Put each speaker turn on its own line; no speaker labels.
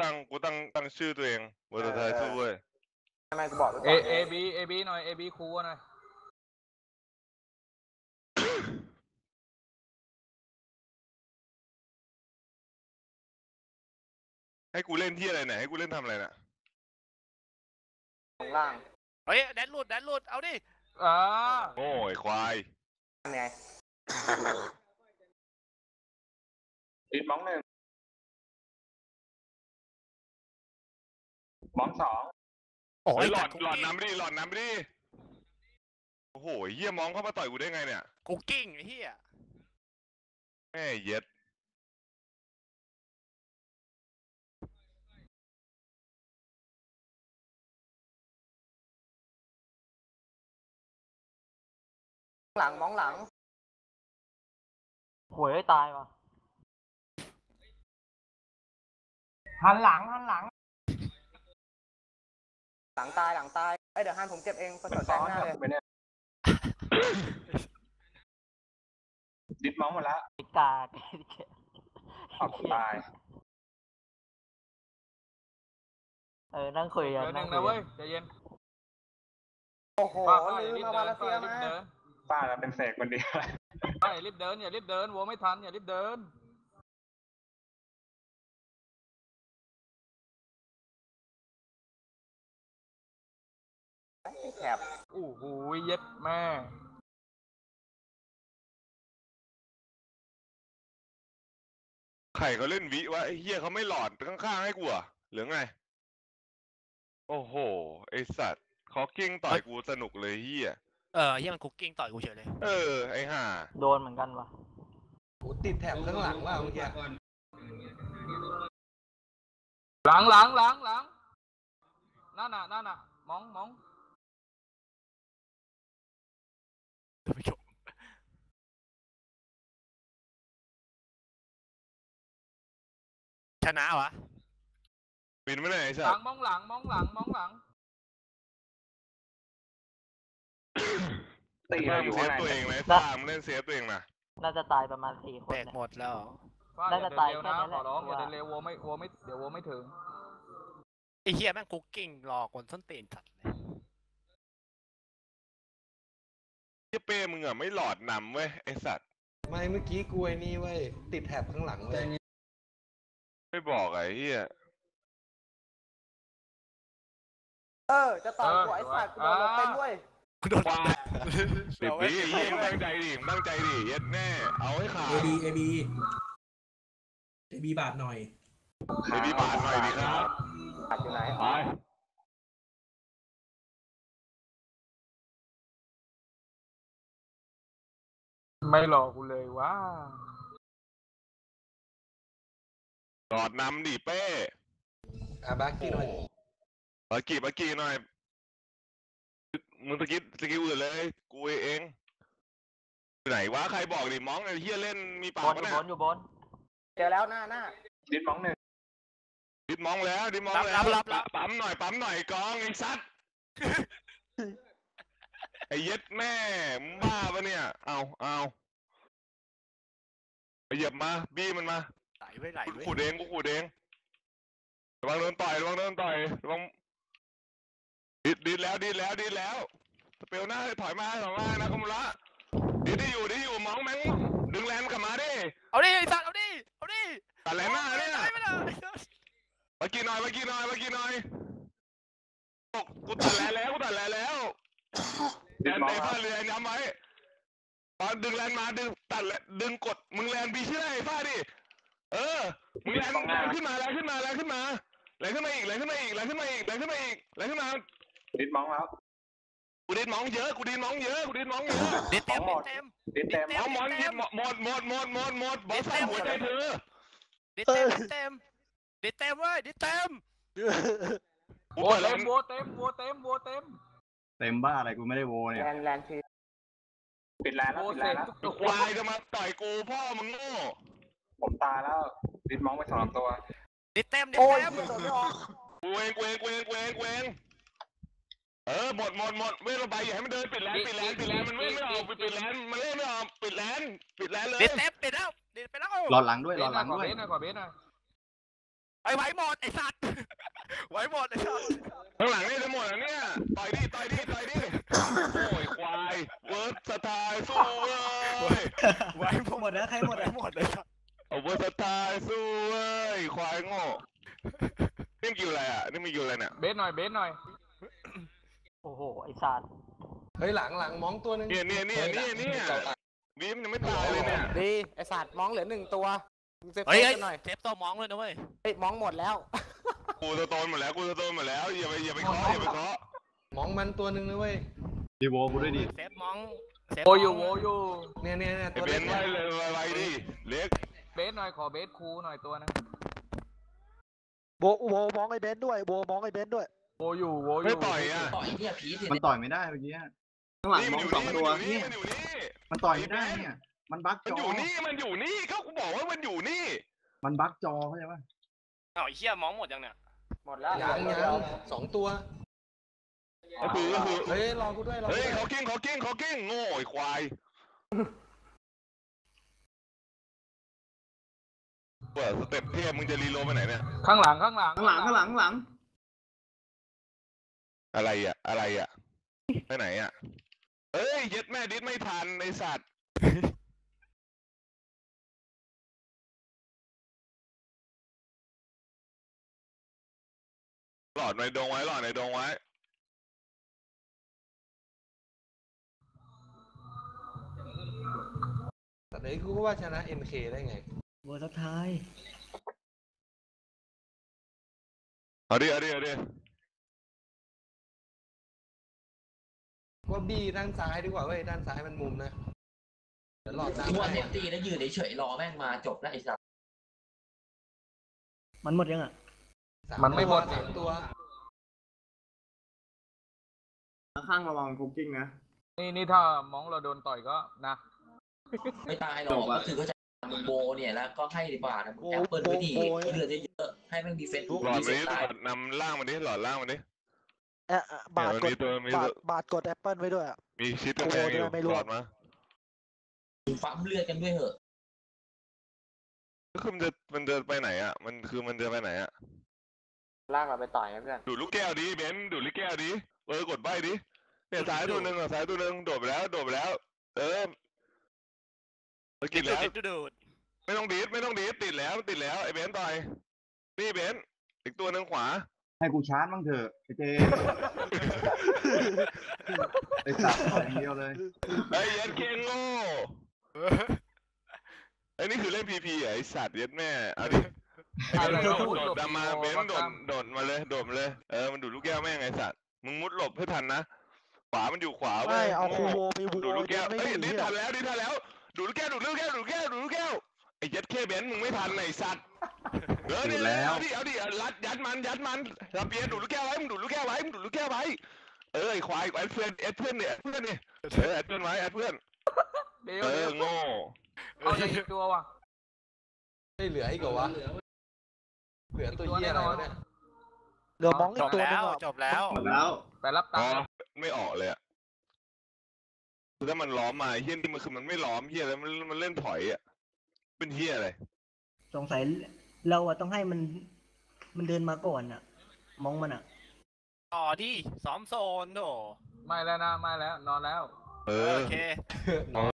ตั้งชื่อตัวเองเวอร์ไทยสู้เว้ย
ทำไมกูบอกด้วย
AB หน่อย AB ครูหน่อย
ให้กูเล่นที่อะไรเนี่ยให้กูเล่นทำอะไรน่ะ
ของล่าง
เฮ้ยแดนหลุดเอาดิ
โอ้ยควาย
ไง
ติดมองหนึ่งมองสอง
โอ้ยหลอดน้ำดิโอ้โหเฮียมองเข้ามาต่อยกูได้ไงเนี่ย
กูกิ้งไอ้เฮีย
แม่เย็ด
หลังมองหลัง
หวยตายว่ะหันหลังห
ลังตายเดี๋ยวฮันผมเก็บเองประสบการณ์หน้าเลย
ดิดมองหมดแล้ว
กาด
ขอบตาย
นั่งคุยกันนั่งนะเว้ยใจเย็น
โอ้โหลืมมาเลเซียมา
ป้าเราเป็นเสกคนเดียว
ไปรีบเดินอย่ารีบเดินวัวไม่ทันอย่ารีบเดิน
แถบ
โอ้โหเย็ดแม่
ใครเขาเล่นวิวะไอ้เฮียเขาไม่หลอดข้างๆให้กูอ่ะหรือไงโอ้โหไอสัตว์เขากิ้งต่อยกูสนุกเลยเฮีย
เฮียมันคุกกิ้งต่อยกูเฉยเลย
ไอ้ห่า
โดนเหมือนกันวะ
กูติดแถบข้างหลังว่าเมื่อกี้
หลังนั่นน่ะมอง
ชนะวะ
บินไม่ได้ไอ้สั
ตว์มองหลัง
ตีเราอยู่
เซฟตัวเองไหมตามเล่นเซฟตัวเองนะ
น่าจะตายประมาณ4 คน
แตกหมดแล้ว
น่าจะตายแค่นั้นแหละขอร้องอย่าเดินเร็ววัวไม่เดี๋ยววัวไม่ถึง
ไอ้เฮียแม่งคุกกิ้งรอคนส้นตีนจัดเลย
เป้มึงอ่ะไม่หลอดนำเว้ยไอสัตว์
ไม่เมื่อกี้กูไอ้นี่เว้ยติดแถบข้างหลังเว้ย
ไม่บอกไอ้เหี้ย
จะต่อยกูไอ้สัตว์กูโดนเต็มด้วย
โดน
ติดบีไอ้เหี้ยตั้งใจดิเย็ดแน่เอาให้ขาด
AB บาทหน่อย
ดีครับ
บาทอยู่ไหน
ไม่หลอกกูเลยว่า
หลอดนำดิเป้
บากี้หน่อย
บากี้หน่อยมึงตะกี้อื่นเลยกูเองไหนวะใครบอกดิมองไอ้เฮียเล่นมีปาก
นะอยู่บน
เจอแล้วหน้า
ดิดมองหนึ่ง
ดิดมองแล้วปั๊มหน่อยกองไอ้สัตว์ไอ้เย็ดแม่มึงบ้าปะเนี่ยเอาไปเหยียบมาบี้มันมา
ไหล
กูขูดเองระวังโดนต่อยระวังดิดแล้วสเปลหน้าถอยมานะคอมละดิดอยู่มองแม่งดึงแลนกลับมาดิ
เอาดิสัตว์เอาดิ
ตัดแลนหน้าเนี่ยมากี่หน่อยกูตัดแลนแล้วแลนเตะผ้าเรือย้ำไว้ตอนดึงแลนมาดึงกดมึงแลนบีชื่ออะไรผ้าดิมึงแลนขึ้นมาอีก
ดิดมองแล้ว
กูดิดมองเยอะ
ดิดเต็มมอง
หมดบอสใส่หัวใจเธอ
ดิดเต็มเว้ยดิดเต็ม
โวเต็ม
บ้าอะไรกูไม่ได้โวเนี่ย
แลนที
ปิดแลนแล้ว
ควายจะมาต่อยกูพ่อมึงโง่
ผมตายแล้วดิดมองไป2 ตัว
ดิดเต็ม
กูเองหมดเวลาไปอย่าให้มันเดินปิดแลนมันไม่ออกปิดแลนมันเล่นไม่ออกปิดแลนเลย
ดิดเต็มปิดแล้ว
รอหลังด้วย
ขอเบสหน่อย
ไอ้ไหวหมดไอ้สัตว์ไหวหมดไอ้สัตว์
ข้างหลังนี่จะหมดแล้วเนี่ยต่อยดิโอ้ยควายเวิร์สสไตล์สู้เว้ย
ไหวหมดแล้วใครหมดไอ้หมดเลยครับ
เอาเวิร์สสไตล์สู้เว้ยควายโง่นี่มันกิวอะไรอ่ะนี่มันกิวอะไรเนี่ย
เบสหน่อยเบสหน่อย
โอ้โหไอ้สัตว์
เฮ้ยหลังมองตัวนึง
เนี่ยบีมยังไม่ตายเลยเนี่ย
ดีไอ้สัตว์มองเหลือ1ตัวมึงเซฟ
เฮ้ย
กันหน่อย
เซฟตัวมองเลยนะเว้ย
เฮ้ยมองหมดแล้ว
กูสโตนหมดแล้วอย่าไปเคาะ
มองมันตัวนึงนะเว้ย
ดีโวกูด้วยดิ
เซฟมองเซฟ
โวอยู่โวอยู่
เนี่ย
ไอ้
ตัว
เบ
เล็
น
ก
ไว้เลยไว้ดิเล็ก
เบสหน่อยขอเบสคูหน่อยตัวนึง
โบมองไอ้เบนซ์ด้วยโบมองไอ้เบนซ์ด้วย
โวอยู่
ไม่ต่อยอ่ะ
ต่อยเนี่ยผีสิ
มันต่อยไม่ได้เมื่อกี้
ข้างหลัง
นี่
ม
มัน
อง
อยู่
สองตัว
นี่
เนี่ย
มันอยู่นี่
มันต่อยไม่ได้เนี่ย มันบั๊ก
มัน
จ
อ
อยู่
นี่ก็กูบอกว่ามันอยู่นี่
มันบั๊กจอเข้าใจป่ะ
อ้าวไอ้เหี้ยมองหมดยังเนี่ย
หมดแล้ว
ยัง2 ตัว
ก็คือ
เฮ้ยรอกูด้วยรอ
เฮ้ย
กูด้วย
เขากิ้งโง่ไอ้ควายเปิดสเต็ปเทพมึงจะรีโลไปไหนเนี่ย
ข้างหลัง
อะไรอ่ะไปไหนอ่ะเอ้ยเย็ดแม่ดิสไม่ทันไอสัตว์หลอดในดงไว้
แต่เดี๋ยวกูก็ว่าชนะ MK ได้ไง
เวอร์สุดท้าย
เอาดิ
ว่าบี้ด้านซ้ายดีกว่าเว้ยด้านซ้ายมันมุมนะเดี๋ยวหลอดด้าน
มัว
ซ้าย
เซฟตี้แล้วยืนเฉยๆรอแม่งมาจบแล้วไอ้สัส
มันหมดยังอ่ะ
มันไม่หมด
3 ตัว
ข้างระวังคุกกิ้งนะ
นี่ถ้ามองเราโดนต่อยก็นะ
ไม่ตายหรอกก็คือเขาจะมึงโบเนี่ยแล้วก็ให้ดีกว่านะมึงแอปเปิลไว้ดีเลือดเยอะๆให้แม่งดีเฟนต์
หลอด
ดีเฟ
มาน ดิ
ต์ได้
นำล่างมันดิหลอดล่างมันดิ
บาทกด
มี
บาทกดแอปเปิลไว้ด้วยอ่ะ
มีชิดกระแพงอยู่
ไม่รู้
หลอดมา
ปั๊มเลือดกันด้วยเหอะ
ก็คือมันจะไปไหนอ่ะมันจะไปไหนอ่ะ
ลากเราไปต่อยนะเพื่อน
ดูดลูกแก้วดิเบนดูดลูกแก้วดิกดใบดิเนี่ยซ้ายตัวหนึ่งโดดไปแล้วเออกินแล้ว
ดูด
ไม่ต้องดีดติดแล้วไอ้เบนต่อยนี่เบนอีกตัวหนึ่งขวา
ให้กูชาร์จบ้างเถอะไอ้เจไอ้สัตว์ต่อยอย่างเดียวเลย
ไอ้เย็ดเคงโง่ไอ้นี่คือเล่นพีไอ้สัตว์เย็ดแม่เอาดิโดดมาเบนโดดมาเลยมันดูดลูกแก้วแม่งไอ้สัตว์มึงมุดหลบให้ทันนะขวามันอยู่ขวาเว้
ไม่
ย
เอาคูโวไปโว
ดูดลูกแก้ว
ไม่
เอ้ย
ดี
ดิ
เนี่ย
ทันแล้วดูดลูกแก้วไอ้เย็ดเคเบนมึงไม่ทันไอ้สัตว์เนี่ยเอาดิรัดยัดมันรับเปียดูดลูกแก้วไว้มึงดูดลูกแก้วไว้ไอ้ควายไอ้เพื่อนเนี่ยแอดเพื่อนไว้แอดเพื่อน
เดี๋ยว
โง่
เอาอีกตัวว่ะ
ไม่เหลืออีกเหรอวะเหลือตัวเหี้ยอะไรวะเนี่ย
เหลือมองอี
จ
ก
บ
ตัวนึ
แล้
ง
ว
อ่ะ
จบแล้ว
หมดแล้ว
ไปรับ
อ๋
ตั
อง
ค์
ไม่ออกเลยอ่ะคือถ้ามันล้อมมาเฮี้ยนี่มันคือมันไม่ล้อมเฮี้ยแล้วมันเล่นถอยอ่ะเป็นเฮี้ยอะไร
สงสัยเราอ่ะต้องให้มันเดินมาก่อนอ่ะ มองมันอ่ะ
ต่อดิซ้อมโซนโถ
ไม่แล้วนะไม่แล้วนอนแล้ว
เออ
โอเค